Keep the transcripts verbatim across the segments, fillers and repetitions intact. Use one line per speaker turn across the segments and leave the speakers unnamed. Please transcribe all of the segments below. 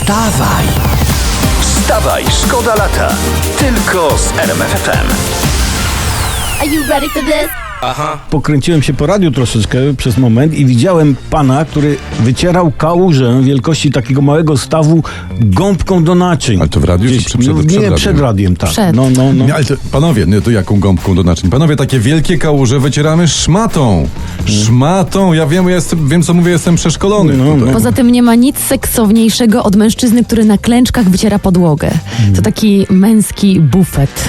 Wstawaj! Wstawaj, szkoda lata. Tylko z R M F F M.
Are you ready for this?
Aha.
Pokręciłem się po radiu troszeczkę przez moment i widziałem pana, który wycierał kałużę wielkości takiego małego stawu gąbką do naczyń.
Ale to w radiu
Gdzieś,
czy przed,
no,
przed
nie,
radiem?
przed radiem, tak.
Przed.
No, no, no.
Nie, ale to, panowie, nie, to jaką gąbką do naczyń? Panowie, takie wielkie kałuże wycieramy szmatą. Szmatą. Ja wiem, ja jestem, wiem co mówię, jestem przeszkolony.
No,
tutaj.
no.
Poza tym nie ma nic seksowniejszego od mężczyzny, który na klęczkach wyciera podłogę. To taki męski bufet.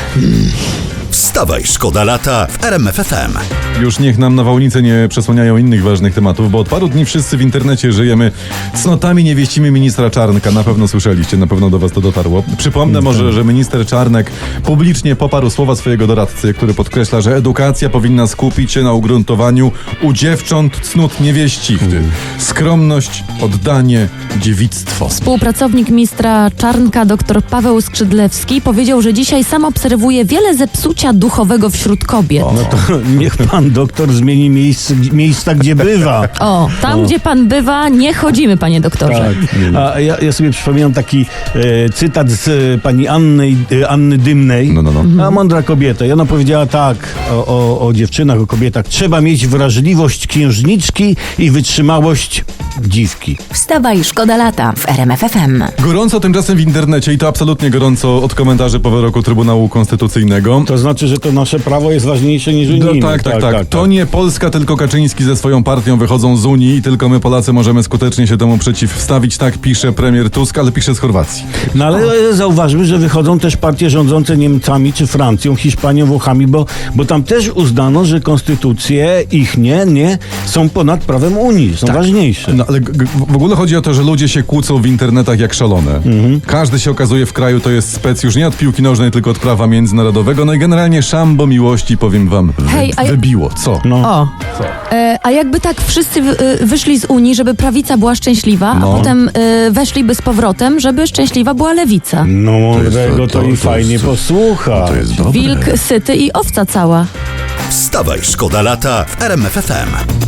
Wstawaj, szkoda lata w R M F F M.
Już niech nam nawałnice nie przesłaniają innych ważnych tematów, bo od paru dni wszyscy w internecie żyjemy cnotami niewieścimi ministra Czarnka. Na pewno słyszeliście, na pewno do was to dotarło. Przypomnę może, że minister Czarnek publicznie poparł słowa swojego doradcy, który podkreśla, że edukacja powinna skupić się na ugruntowaniu u dziewcząt cnót niewieścich. Skromność, oddanie, dziewictwo.
Współpracownik ministra Czarnka, dr Paweł Skrzydlewski, powiedział, że dzisiaj sam obserwuje wiele zepsucia duchowego wśród kobiet.
No to niech pan doktor zmieni miejsce, miejsca, gdzie bywa.
O, tam gdzie pan bywa, nie chodzimy, panie doktorze.
Tak. A ja, ja sobie przypominam taki e, cytat z e, pani Anny, e, Anny Dymnej.
No, no, no.
A mądra kobieta. I ona powiedziała tak o, o, o dziewczynach, o kobietach. Trzeba mieć wrażliwość księżniczki i wytrzymałość dziwki.
Wstawaj, szkoda lata w R M F F M.
Gorąco tymczasem w internecie i to absolutnie gorąco od komentarzy po wyroku Trybunału Konstytucyjnego.
To znaczy, że to nasze prawo jest ważniejsze niż
No,
unijne.
tak, tak, tak, To nie Polska, tylko Kaczyński ze swoją partią wychodzą z Unii i tylko my Polacy możemy skutecznie się temu przeciwstawić. Tak pisze premier Tusk, ale pisze z Chorwacji.
No ale zauważmy, że wychodzą też partie rządzące Niemcami, czy Francją, Hiszpanią, Włochami, bo, bo tam też uznano, że konstytucje ich nie, nie są ponad prawem Unii, są ważniejsze.
No ale g- g- w ogóle chodzi o to, że ludzie się kłócą w internetach jak szalone.
Mhm.
Każdy się okazuje w kraju, to jest spec już nie od piłki nożnej, tylko od prawa międzynarodowego. No i generalnie szambo miłości, powiem wam, wy-
Hej, a ja-
wybiło. Co?
No.
O, e, a jakby tak wszyscy w, y, wyszli z Unii, żeby prawica była szczęśliwa,
No.
a potem y, weszliby z powrotem, żeby szczęśliwa była lewica.
No mądrego to,
to-
to i
to
fajnie
jest-
posłucha.
To jest dobre.
Wilk syty i owca cała.
Wstawaj, szkoda lata w R M F F M.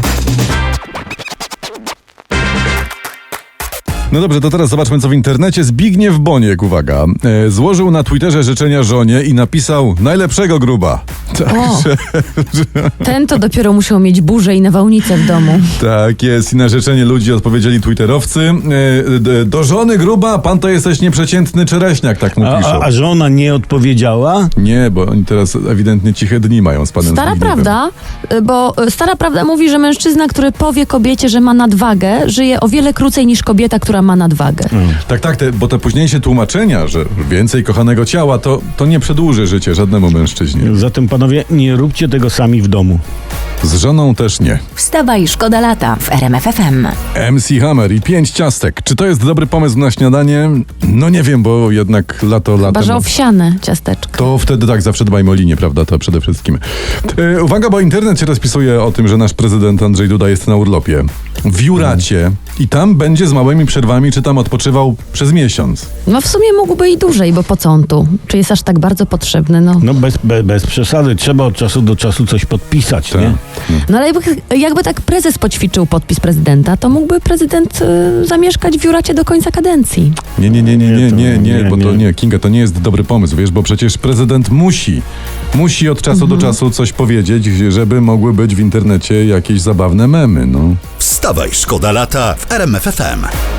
No dobrze, to teraz zobaczmy, co w internecie. Zbigniew Boniek, uwaga, e, złożył na Twitterze życzenia żonie i napisał najlepszego gruba. Także,
Ten to dopiero musiał mieć burzę i nawałnicę w domu.
tak jest. I na życzenie ludzi odpowiedzieli twitterowcy. E, d- do żony gruba, pan to jesteś nieprzeciętny czereśniak, tak mu
A,
piszą.
a, a żona nie odpowiedziała?
Nie, bo oni teraz ewidentnie ciche dni mają z panem
Stara
Zbigniewem.
prawda, y, bo y, stara prawda mówi, że mężczyzna, który powie kobiecie, że ma nadwagę, żyje o wiele krócej niż kobieta, która ma nadwagę.
Tak, tak, te, bo te późniejsze tłumaczenia, że więcej kochanego ciała, to, to nie przedłuży życie żadnemu mężczyźnie.
Zatem panowie, nie róbcie tego sami w domu.
Z żoną też nie.
Wstawaj, szkoda lata w R M F F M.
M C Hammer i pięć ciastek. Czy to jest dobry pomysł na śniadanie? No nie wiem, bo jednak lato
Chyba,
latem.
że owsiane ciasteczka.
To wtedy tak, zawsze dbajmy o linię, prawda? To przede wszystkim. E, uwaga, bo internet się rozpisuje o tym, że nasz prezydent Andrzej Duda jest na urlopie. W Juracie i tam będzie z małymi przerwami, czy tam odpoczywał przez miesiąc.
No w sumie mógłby i dłużej, bo po co on tu? Czy jest aż tak bardzo potrzebny? No,
No bez, bez, bez przesady, trzeba od czasu do czasu coś podpisać,
Tak.
nie?
no ale jakby, jakby tak prezes poćwiczył podpis prezydenta, to mógłby prezydent y, zamieszkać w Juracie do końca kadencji.
Nie, nie, nie, nie, nie,
to-
nie, nie,
nie,
bo to
nie.
nie, Kinga, to nie jest dobry pomysł, wiesz, bo przecież prezydent musi, musi od czasu do czasu coś powiedzieć, żeby mogły być w internecie jakieś zabawne memy, no.
Wstawaj, szkoda lata w R M F F M.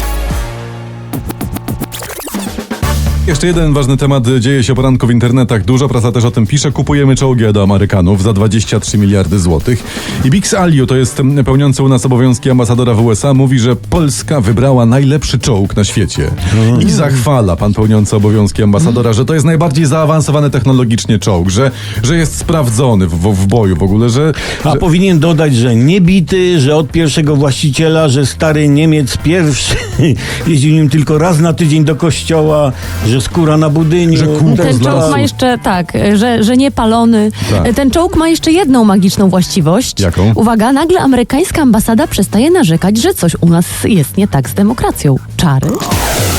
Jeszcze jeden ważny temat dzieje się o poranku w internetach. Dużo prasa też o tym pisze. Kupujemy czołgi do Amerykanów za dwadzieścia trzy miliardy złotych. I Bix Aliu, to jest mm, pełniący u nas obowiązki ambasadora w U S A, mówi, że Polska wybrała najlepszy czołg na świecie. I zachwala pan pełniący obowiązki ambasadora, że to jest najbardziej zaawansowany technologicznie czołg, że, że jest sprawdzony w, w, w boju w ogóle, że...
A
że...
powinien dodać, że nie bity, że od pierwszego właściciela, że stary Niemiec pierwszy jeździł nim tylko raz na tydzień do kościoła, że skóra na budyniu.
Że kółko
Ten
z
czołg
lasu.
ma jeszcze, tak, że, że nie palony.
Tak.
Ten czołg ma jeszcze jedną magiczną właściwość.
Jaką?
Uwaga, nagle amerykańska ambasada przestaje narzekać, że coś u nas jest nie tak z demokracją. Czary?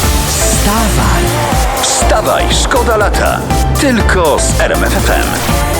Wstawaj, wstawaj, szkoda lata. Tylko z R M F F M.